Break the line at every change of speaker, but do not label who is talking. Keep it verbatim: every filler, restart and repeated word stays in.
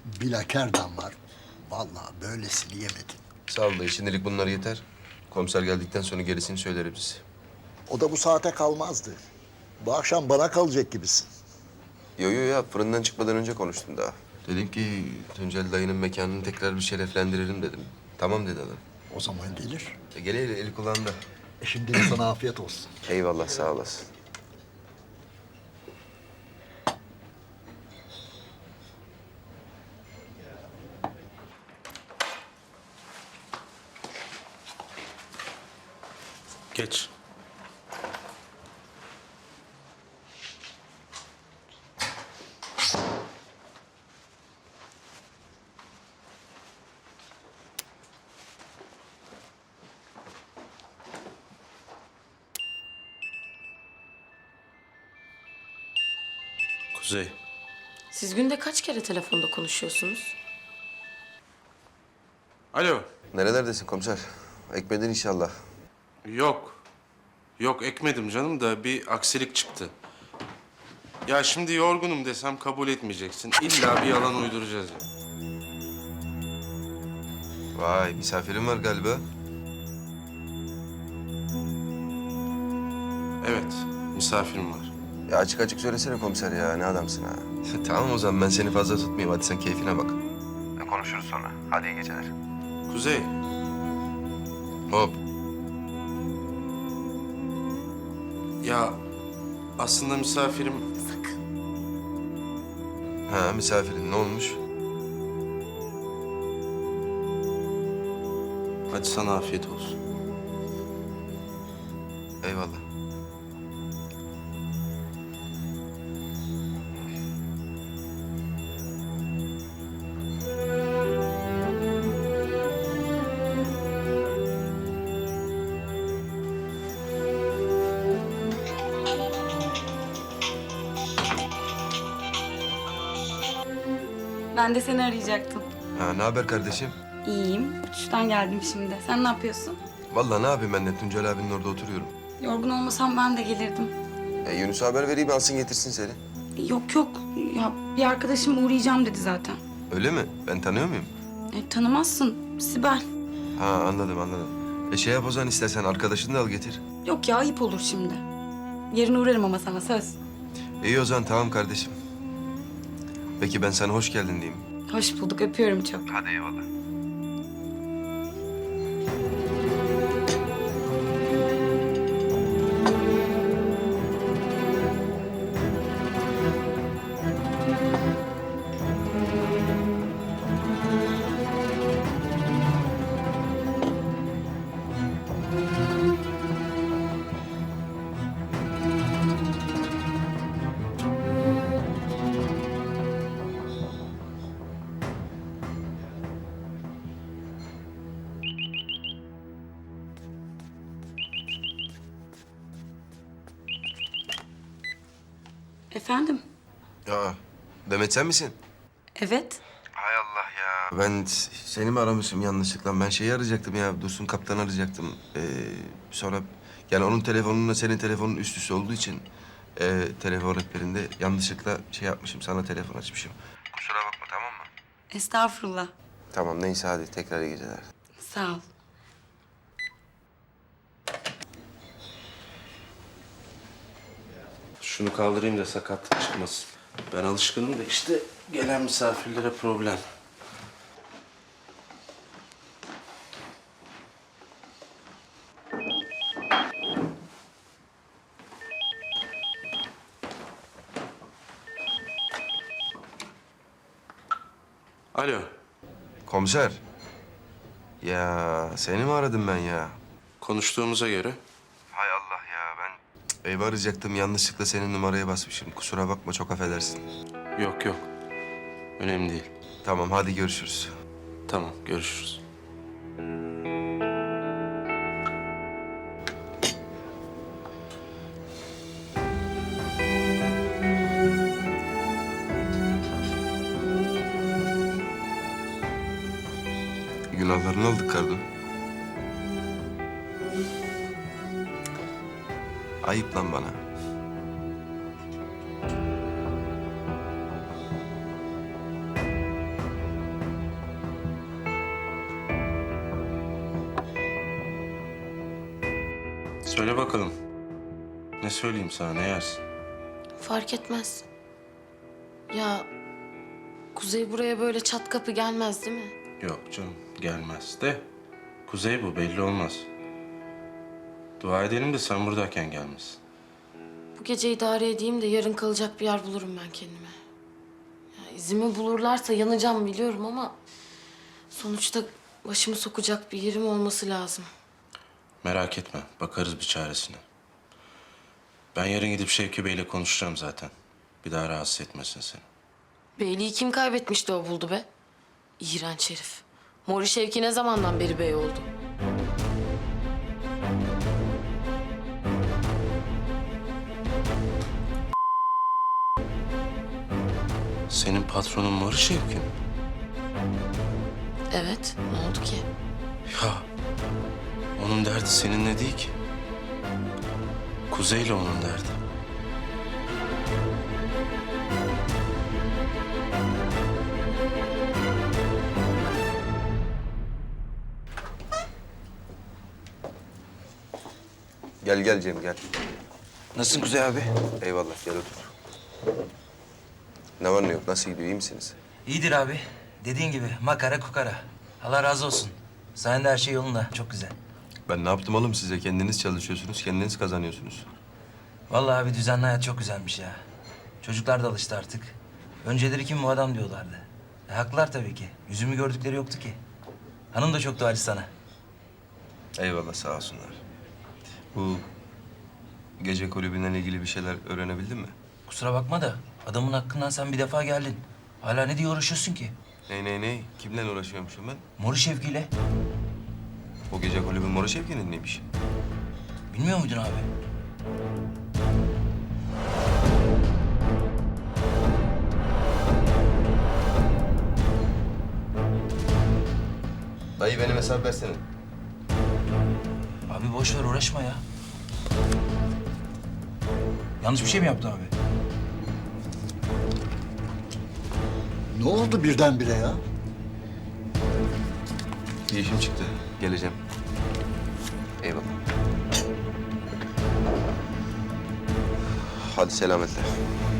Bilakerdan var. Vallahi böylesini yemedim.
Sağ ol dayı. Şimdilik bunlar yeter. Komiser geldikten sonra gerisini söyleriz.
O da bu saate kalmazdı. Bu akşam bana kalacak gibisin.
Yo yo ya fırından çıkmadan önce konuştum daha. Dedim ki Tuncel dayının mekanını tekrar bir şereflendirelim dedim. Tamam dedi adam.
O zaman gelir.
E, gele eli, eli kulağında.
E şimdi de sana afiyet olsun.
Eyvallah sağ olasın.
Geç. Kuzey.
Siz günde kaç kere telefonda konuşuyorsunuz?
Alo.
Nerelerdesin komiser? Ekmedin inşallah.
Yok. Yok ekmedim canım da bir aksilik çıktı. Ya şimdi yorgunum desem kabul etmeyeceksin. İlla bir yalan uyduracağız ya.
Vay misafirin var galiba.
Evet, misafirim var.
Ya açık açık söylesene komiser ya. Ne adamsın ha. Tamam o zaman ben seni fazla tutmayayım. Hadi sen keyfine bak. Konuşuruz sonra. Hadi iyi geceler.
Kuzey,
Hop.
ya aslında misafirim...
Sakın.
Ha misafirin ne olmuş?
Hadi sana afiyet olsun.
Eyvallah.
Ben de seni arayacaktım.
Ha ne haber kardeşim?
İyiyim. Uçuştan geldim şimdi. Sen ne yapıyorsun?
Vallahi ne yapayım ben de Tuncel abinin orada oturuyorum.
Yorgun olmasam ben de gelirdim.
E, Yunus'a haber vereyim alsın getirsin seni.
Yok yok. Ya bir arkadaşım uğrayacağım dedi zaten.
Öyle mi? Ben tanıyor muyum?
E, tanımazsın. Sibel.
Ha anladım anladım. E şey yap o zaman istersen arkadaşını da al getir.
Yok ya ayıp olur şimdi. Yarın uğrarım ama sana söz.
İyi o zaman tamam kardeşim. Peki ben sana hoş geldin diyeyim.
Hoş bulduk. Öpüyorum çok.
Hadi eyvallah.
Efendim?
Ya Demet sen misin?
Evet.
Hay Allah ya. Ben s- seni mi aramışım yanlışlıkla? Ben şeyi arayacaktım ya. Dursun kaptanı arayacaktım. Ee, sonra yani onun telefonunla senin telefonun üst üste olduğu için e, telefon rehberinde yanlışlıkla şey yapmışım. Sana telefon açmışım. Kusura bakma tamam mı?
Estağfurullah.
Tamam neyse hadi tekrar iyi geceler.
Sağ ol.
Şunu kaldırayım da sakatlık çıkmasın. Ben alışkınım da işte gelen misafirlere problem. Alo.
Komiser. Ya seni mi aradım ben ya?
Konuştuğumuza göre
Hay Allah ya ben cık, evi arayacaktım yanlışlıkla senin numaraya basmışım. Kusura bakma çok affedersin.
yok yok. Önemli değil.
Tamam hadi görüşürüz.
Tamam görüşürüz.
Günahlarını aldık Kardo. Ayıp lan bana.
Söyle bakalım. Ne söyleyeyim sana, ne yersin?
Fark etmez. Ya Kuzey buraya böyle çat kapı gelmez değil mi?
Yok canım, gelmez de. Kuzey bu, belli olmaz. Dua edelim de sen buradayken gelmez.
Bu gece idare edeyim de yarın kalacak bir yer bulurum ben kendime. Ya izimi bulurlarsa yanacağım biliyorum ama... sonuçta başımı sokacak bir yerim olması lazım.
Merak etme, bakarız bir çaresine. Ben yarın gidip Şevki Bey'le konuşacağım zaten. Bir daha rahatsız etmesin seni.
Beyliği kim kaybetmişti o buldu be? İğrenç herif. Mori Şevki ne zamandan beri bey oldu?
Senin patronun Mori Şevki mi?
Evet, ne oldu ki?
Ya, onun derdi seninle değil ki. Kuzey'le onun derdi.
Gel gel Cem gel.
Nasılsın Kuzey abi?
Eyvallah gel otur. Ne var ne yok nasıl gidiyor iyi misiniz?
İyidir abi. Dediğin gibi makara kukara. Allah razı olsun. Sayende her şey yolunda. Çok güzel.
Ben ne yaptım oğlum size? Kendiniz çalışıyorsunuz, kendiniz kazanıyorsunuz.
Vallahi abi düzenli hayat çok güzelmiş ya. Çocuklar da alıştı artık. Önceleri kim bu adam diyorlardı. E, haklılar tabii ki. Yüzümü gördükleri yoktu ki. Hanım da çok duacı sana.
Eyvallah sağ olsunlar. Bu gece kulübünden ilgili bir şeyler öğrenebildin mi?
Kusura bakma da adamın hakkından sen bir defa geldin. Hala ne diye uğraşıyorsun ki?
Ney ney ney? Kimle uğraşıyormuşum ben?
Mori Şevki'yle.
O gece kulübün Mora Şevki'nin neymiş?
Bilmiyor muydun abi?
Dayı benim hesap versene.
Abi boş ver uğraşma ya. Yanlış bir şey mi yaptı abi?
Ne oldu birdenbire ya?
Bir işim çıktı. Geleceğim. Eyvallah. Hadi selametle.